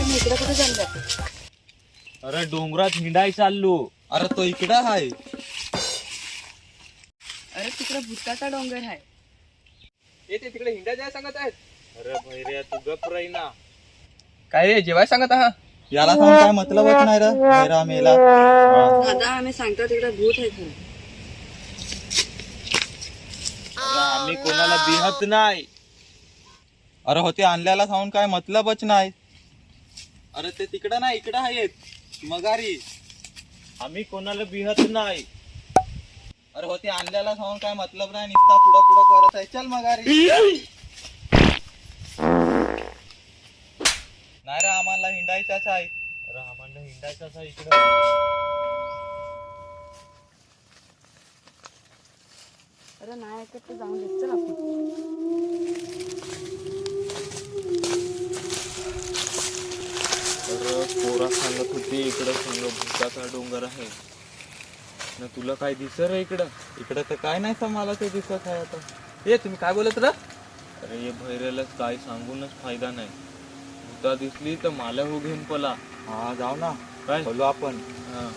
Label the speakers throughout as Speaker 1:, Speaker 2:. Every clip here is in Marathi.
Speaker 1: तुम्ही इकडे कुठे चालले?
Speaker 2: अरे डोंगरात हिंडाय चाललो.
Speaker 3: अरे तो इकडं आहे.
Speaker 1: अरे तिकडे भुताचा डोंगर आहे.
Speaker 4: ते तिकडे हिंडा जाय सांगत आहेत.
Speaker 2: अरे भैऱ्या तू गप राही ना.
Speaker 4: काय रे जेवाय सांगत आहात?
Speaker 3: याला सांग काय मतलबच नाही रे मेरा मेला.
Speaker 1: दादा आम्ही सांगतो तिकडे भूत आहे खरं.
Speaker 2: अरे आम्ही कोणाला बिहत नाही.
Speaker 3: अरे होते आणल्याला सांगून काय मतलबच नाही. अरे ते तिकडं नाही इकडं आहेत मगारी.
Speaker 2: आम्ही कोणाला बिहत नाही.
Speaker 3: अरे होते आणल्याला सांगून काय मतलब नाही. निसता पुढं पुढं करत आहे. चल मगारी. नाही रे आम्हाला हिंडायचाच आहे.
Speaker 2: अरे आम्हाला हिंडायचं इकडं.
Speaker 1: अरे नाही ऐकत ते जाऊन देत. चल आपण.
Speaker 2: अरे पोरा सांगत होती इकडं संग भुताचा डोंगर आहे ना. तुला काय दिसत रे इकडं?
Speaker 3: इकडं तर काय नाही सर मला ते दिसत आहे आता.
Speaker 4: ए तुम्ही काय बोलत रा?
Speaker 2: अरे हे भैऱ्यालाच काय सांगूनच फायदा नाही. भूता दिसली तर मला हो घेऊन पला.
Speaker 3: हा जाऊ ना
Speaker 2: काय
Speaker 3: बोलू आपण.
Speaker 2: हा.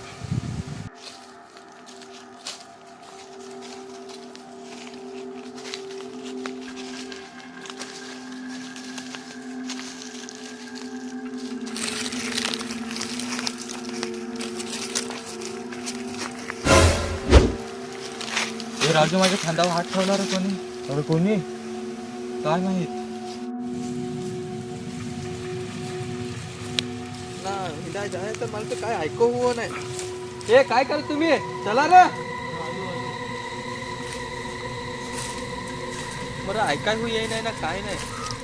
Speaker 3: हे राजू माझ्या खांद्यावर हात ठेवला रे कोणी.
Speaker 2: अरे कोणी?
Speaker 3: काय माहित.
Speaker 4: ना हिंडा जाय तर मला तर काय ऐकू हो नाही. ए काय करत तुम्ही? चला रे. बरं ऐकाय हो येई नाही ना काय नाही.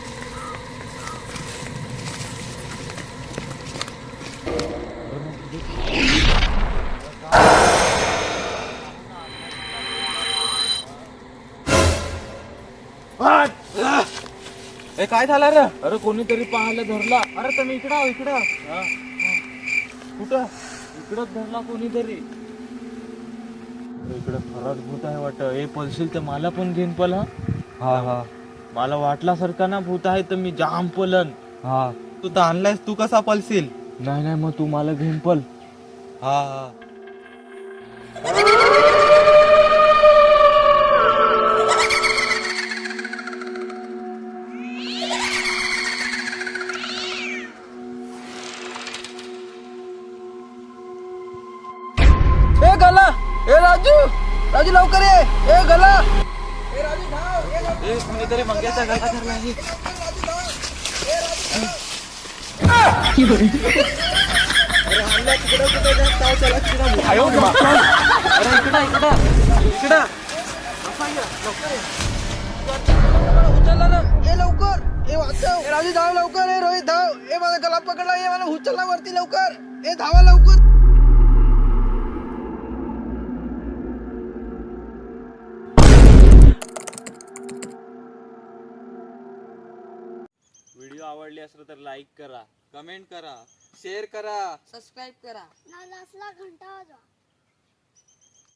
Speaker 4: ए काय झालं रे?
Speaker 2: अरे कोणीतरी पाहायला धरला.
Speaker 4: अरे तुम्ही इकडं आहो इकडं.
Speaker 2: हा.
Speaker 4: कुठं?
Speaker 2: इकडंच धरला कोणीतरी. इकडे खरंच भूत आहे वाटत. हे पलशील तर मला पण घेऊन पल.
Speaker 3: हा हा
Speaker 2: मला वाटल्यासारखा ना भूत आहे तर मी जाम पलन.
Speaker 3: हा तू तर आणलायस तू कसा पलशील.
Speaker 2: नाही नाही मग तू मला घेऊन पल.
Speaker 3: हा हा
Speaker 4: ए गला. ए राजू. राजू लवकर ये. ए गला. ए राजू धाव. ए लवकर.
Speaker 3: ए कोणीतरी मंग्याचा गळा धरला आहे.
Speaker 4: अरे हल्ला तिकडं कुठे जात आहो. चला तिकडं.
Speaker 2: आयो मा.
Speaker 4: अरे इकडं इकडं. इकडं. असा ये. लवकर ये. उचलला ना. ए लवकर. ए वाचव. ए राजू धाव लवकर. ए रोहित धाव. ए मला गला पकडला. ए मला उचलला वरती लवकर. ए धावा लवकर.
Speaker 2: व्हिडिओ आवडली असेल तर लाईक करा.
Speaker 3: कमेंट करा शेअर करा.
Speaker 1: सबस्क्राईब करा.
Speaker 5: लाल असला घंटा वाजवा.